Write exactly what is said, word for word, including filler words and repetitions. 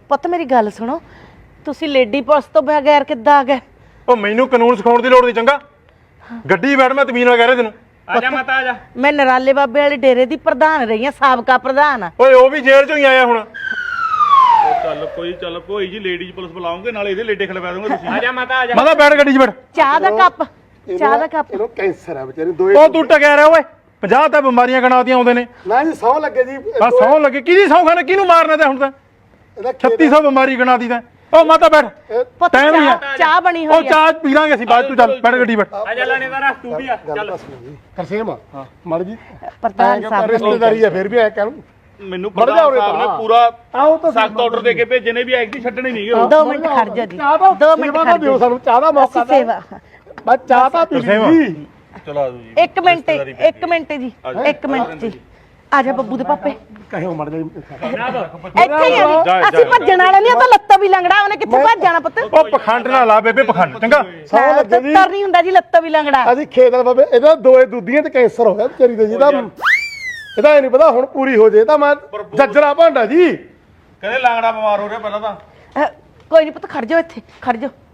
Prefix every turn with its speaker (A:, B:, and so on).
A: ਪੁੱਤ ਮੇਰੀ ਗੱਲ ਸੁਣੋ, ਤੁਸੀਂ ਲੇਡੀ ਪੁਲਿਸ ਤੋਂ ਬਗੈਰ ਕਿੱਦਾਂ ਆ ਗਏ?
B: ਉਹ ਮੈਨੂੰ ਕਾਨੂੰਨ ਸਿਖਾਉਣ ਦੀ ਲੋੜ ਨਹੀਂ, ਚੰਗਾ ਗੱਡੀ ਬੈਠ, ਮੈਂ ਤਮੀਨ ਨਾਲ ਕਹਿ ਰਿਹਾ ਤੈਨੂੰ।
C: ਆ ਜਾ ਮਾਤਾ ਆ ਜਾ।
A: ਮੈਂ ਨਰਾਲੇ ਬਾਬੇ ਵਾਲੇ ਡੇਰੇ ਦੀ ਪ੍ਰਧਾਨ ਰਹੀ ਆ, ਸਾਬਕਾ ਪ੍ਰਧਾਨ।
B: ਓਏ ਉਹ ਵੀ ਜੇਲ੍ਹ ਚੋਂ ਹੀ ਆਇਆ ਹੁਣ।
C: ਚੱਲ ਕੋਈ ਚੱਲ ਕੋਈ ਜੀ ਲੇਡੀਜ਼ ਪੁਲਿਸ ਬੁਲਾਉਂਗੇ, ਨਾਲੇ ਇਹਦੇ ਲੇਡੇ ਖਲਵਾ ਦੋਗੇ ਤੁਸੀਂ। ਆ ਜਾ ਮਾਤਾ ਆ ਜਾ।
B: ਮਾਤਾ ਬੈਠ ਗੱਡੀ 'ਚ ਬੈਠ।
A: ਚਾਹ ਦਾ ਕੱਪ, ਚਾਹ ਦਾ ਕੱਪ।
D: ਇਹਨੂੰ ਕੈਂਸਰ ਹੈ ਵਿਚਾਰੇ ਦੋਏ।
B: ਉਹ ਤੂੰ ਟਕਿਆ ਰਿਹਾ ਓਏ, ਪੰਜਾਹ ਤਾਂ ਬਿਮਾਰੀਆਂ ਗਣਾਤੀਆਂ ਆਉਂਦੇ ਨੇ।
D: ਨਾ ਜੀ ਸੌ ਲੱਗੇ ਜੀ।
B: ਆ ਸੌ ਲੱਗੇ, ਕਿਹਦੀ ਸੌ ਖਾਣੇ, ਕਿਹਨੂੰ ਮਾਰਨਾ ਤੇ ਹੁਣ ਤਾਂ
D: ਇਹਦਾ
B: ਛੱਤੀ ਸੌ ਬਿਮਾਰੀ ਗਣਾਤੀ ਤਾਂ। ਉਹ ਮਾਤਾ ਬੈਠ,
A: ਪੁੱਤ
B: ਟਾਈਮ ਹੀ ਆ।
A: ਚਾਹ ਚਾਹ ਬਣੀ
B: ਉਹ
A: ਹੋਈ ਆ।
B: ਚਾਹ ਪੀ ਲਾਂਗੇ ਅਸੀਂ ਬਾਅਦ, ਤੂੰ ਚੱਲ ਬੈਠ ਗੱਡੀ ਬੈਠ।
C: ਆ ਜਾ ਲਾਣੇਦਾਰ, ਤੂੰ ਵੀ ਆ ਚੱਲ।
D: ਕਰਸੇਮ ਮੜ ਜੀ
A: ਪ੍ਰਧਾਨ ਸਾਹਿਬ
D: ਰਿਸ਼ਤੇਦਾਰੀ ਹੈ, ਫਿਰ ਵੀ ਐ ਕਹਿਣ
C: ਮੈਨੂੰ ਪ੍ਰਧਾਨ ਸਾਹਿਬ ਨੇ ਪੂਰਾ
D: ਆਓ ਤਾਂ
C: ਸਖਤ ਆਰਡਰ ਦੇ ਕੇ ਭੇਜੇ ਨੇ ਵੀ ਐਕ ਦੀ ਛੱਡਣੀ ਨਹੀਂ ਗੇ।
A: ਦੋ ਮਿੰਟ ਖੜ ਜਾ ਜੀ,
D: ਚਾਹ ਦਾ
A: ਦੋ ਮਿੰਟ
D: ਸੇਵਾ
A: ਖੜ
D: ਤਾਂ ਦਿਓ
A: ਜਾ।
D: ਸਾਨੂੰ, ਚਾਹ ਦਾ ਮੌਕਾ
A: ਅਸੀਂ ਸੇਵਾ।
D: ਬਸ ਚਾਹ ਤਾਂ ਪੀ ਲਈ।
C: ਚਲਾ ਦੋ ਜੀ।
A: ਇੱਕ ਮਿੰਟ ਇੱਕ ਮਿੰਟ ਜੀ, ਇੱਕ ਮਿੰਟ ਜੀ। ਆ ਜਾ ਬੱਬੂ ਦੇ ਪਾਪੇ,
D: ਕਹਿਓ ਮੜ ਜੀ।
A: ਇੱਥੇ ਹੀ ਆ ਜੀ। ਅਸੀਂ ਭੱਜਣ ਵਾਲੇ ਨਹੀਂ, ਉਹ ਤਾਂ ਲੱਤਾਂ ਵੀ ਲੰਗੜਾ, ਉਹਨੇ ਕਿੱਥੇ ਭੱਜ ਜਾਣਾ ਪੁੱਤ?
B: ਉਹ ਪਖੰਡ ਨਾ ਲਾ ਬੇਬੇ, ਪਖੰਡ ਚੰਗਾ।
D: ਸੌ ਲੱਗੇ ਜੀ।
A: ਤਰ ਨਹੀਂ ਹੁੰਦਾ ਜੀ, ਲੱਤਾਂ ਵੀ ਲੰਗੜਾ।
D: ਅਸੀਂ ਖੇਤ ਵਾਲੇ ਬਾਬੇ, ਇਹਦਾ ਦੋਏ ਦੁੱਧੀਆਂ ਤੇ ਕੈਂਸਰ ਹੋ ਗਿਆ ਵਿਚਾਰੀ ਦੇ ਜੀ ਦਾ। ਇਹਦਾ ਇਹ ਨਹੀਂ ਪਤਾ ਹੁਣ ਪੂਰੀ ਹੋ ਜੇ ਤਾਂ ਮੈਂ ਜੱਜਰਾ ਭਾਂਡਾ ਜੀ।
C: ਕਹਿੰਦੇ ਲਾਂਗੜਾ ਬਿਮਾਰ ਹੋ ਰਿਹਾ ਪਹਿਲਾਂ ਤਾਂ।
A: ਅਹ, ਕੋਈ ਨਹੀਂ ਪੁੱਤ, ਖੜ ਜਾਓ ਇੱਥੇ, ਖੜ ਜਾਓ।